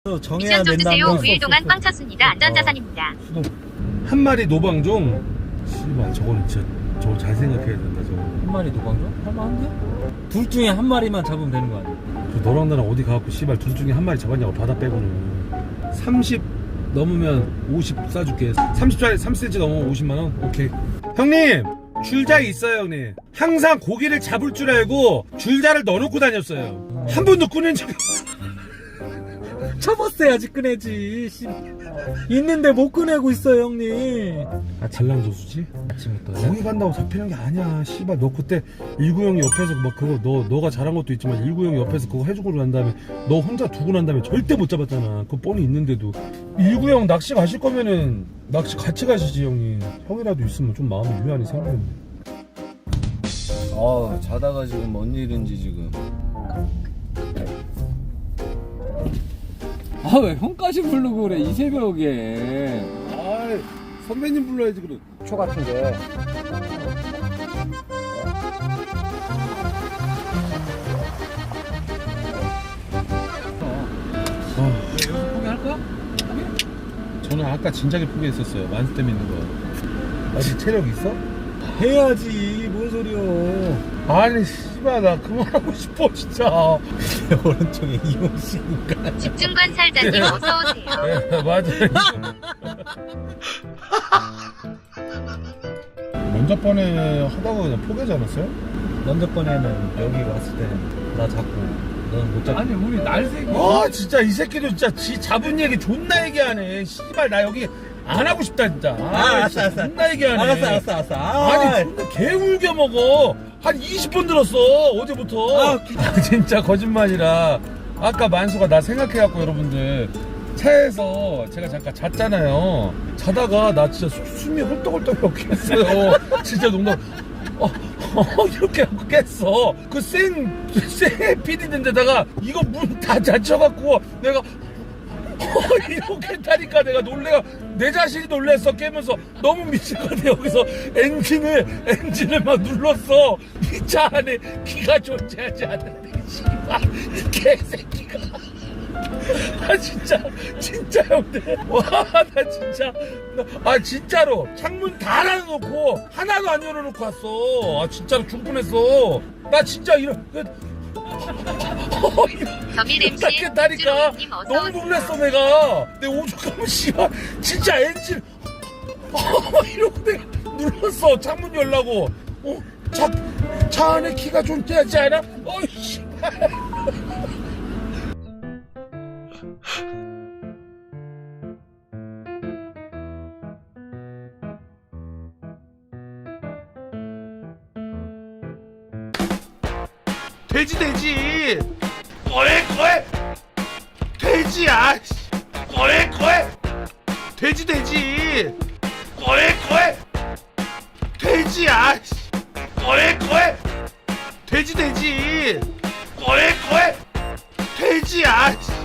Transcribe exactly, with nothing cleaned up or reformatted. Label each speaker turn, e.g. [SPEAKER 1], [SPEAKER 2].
[SPEAKER 1] 정해야
[SPEAKER 2] 미션 좀
[SPEAKER 1] 된다는
[SPEAKER 2] 주세요.
[SPEAKER 1] 건
[SPEAKER 2] 구 일 동안
[SPEAKER 1] 없어.
[SPEAKER 2] 꽝 쳤습니다. 안전자산입니다.
[SPEAKER 3] 수동 한 마리 노방종. 씨발 저거는 진짜 저거 잘 생각해야 된다. 저거.
[SPEAKER 1] 한 마리 노방종? 할만한데? 둘 중에 한 마리만 잡으면 되는 거 아니야?
[SPEAKER 3] 그 너랑 나랑 어디 가갖고 씨발 둘 중에 한 마리 잡았냐고 바다 빼고는. 삼십 넘으면 오십 싸줄게. 삼십짜리 삼 센티미터 넘으면 오십만 원. 오케이. 형님 줄자 있어요 형님. 항상 고기를 잡을 줄 알고 줄자를 넣어놓고 다녔어요. 한 번도 꺼낸 적이 없어요.
[SPEAKER 1] 잡았어야지 꺼내지. 씨. 있는데 못 꺼내고 있어요 형님.
[SPEAKER 3] 아 잘난조수지?
[SPEAKER 1] 아침부터
[SPEAKER 3] 거기 간다고 잡히는 게 아니야. 씨발 너 그때 일구형 옆에서 막 그거 너 너가 잘한 것도 있지만 일구형 옆에서 그거 해주고 난 다음에 너 혼자 두고 난 다음에 절대 못 잡았잖아. 그거 뻔히 있는데도. 일구형 낚시 가실 거면은 낚시 같이 가시지 형님. 형이라도 있으면 좀 마음이 유한히 생기는데.
[SPEAKER 4] 아 자다가 지금 뭔 일인지 지금. 아 왜 형까지 부르고 그래 이 새벽에.
[SPEAKER 3] 아이 선배님 불러야지 그래.
[SPEAKER 4] 초 같은데.
[SPEAKER 3] 아,
[SPEAKER 4] 여기서 포기할까?
[SPEAKER 3] 저는 아까 진작에 포기했었어요. 만수 때문에 있는 거. 아직 체력 있어?
[SPEAKER 1] 해야지. 뭔 소리야.
[SPEAKER 3] 아니 씨발 나 그만하고 싶어 진짜.
[SPEAKER 1] 오른쪽에 이용식인가.
[SPEAKER 2] 집중관 살자님 어서 오세요.
[SPEAKER 3] 네, 맞아. 먼저 번에 하다가 그냥 포기하지 않았어요?
[SPEAKER 1] 먼저 번에는 여기 왔을 때 나 잡고 너는 못 잡고.
[SPEAKER 4] 아니 우리 날새기.
[SPEAKER 3] 아 진짜 이 새끼도 진짜 지 잡은 얘기 존나 얘기하네. 씨발 나 여기 안 하고 싶다 진짜. 아,
[SPEAKER 1] 아, 알았어,
[SPEAKER 3] 진짜
[SPEAKER 1] 알았어.
[SPEAKER 3] 존나 얘기하네.
[SPEAKER 1] 알았어 알았어 알았어. 아,
[SPEAKER 3] 아니 존나 개 울겨 먹어. 한 이십 번 들었어 어제부터.
[SPEAKER 1] 아,
[SPEAKER 3] 아, 진짜 거짓말이라. 아까 만수가 나 생각해갖고 여러분들 차에서 제가 잠깐 잤잖아요. 자다가 나 진짜 수- 숨이 헐떡헐떡 깼어요. 진짜 농담. 어, 어, 이렇게 하고 깼어. 그 생, 생 피디인데다가 이거 문 다 닫혀갖고 내가 어, 이렇게 타니까 내가 놀래가 내 자신이 놀랬어. 깨면서 너무 미친 것 같아. 여기서 엔진을 엔진을 막 눌렀어. 이 차 안에 기가 존재하지 않는데 씨발 이 개새끼가. 아 진짜 진짜 형들. 와 나 진짜 나, 아 진짜로 창문 다 닫아놓고 하나도 안 열어놓고 왔어. 아 진짜로 죽분했어. 나 진짜 이런 어, 이런
[SPEAKER 2] 겸일 엠씨
[SPEAKER 3] 깼다니까
[SPEAKER 2] 님 어서
[SPEAKER 3] 너무
[SPEAKER 2] 오세요.
[SPEAKER 3] 놀랐어 내가. 내 오죽하면 씨발 진짜 엔진 어, 이러고 내가 눌렀어. 창문 열라고. 어? 차, 차 안에 키가 좀 떼지 않아? 어이 씨발. 돼지 돼지 꼬에 꼬에 돼지야 꼬에 꼬에 돼지 돼지 꼬에 꼬에 돼지야 꼬에 꼬에 돼지 돼지 꼬에 꼬에 돼지야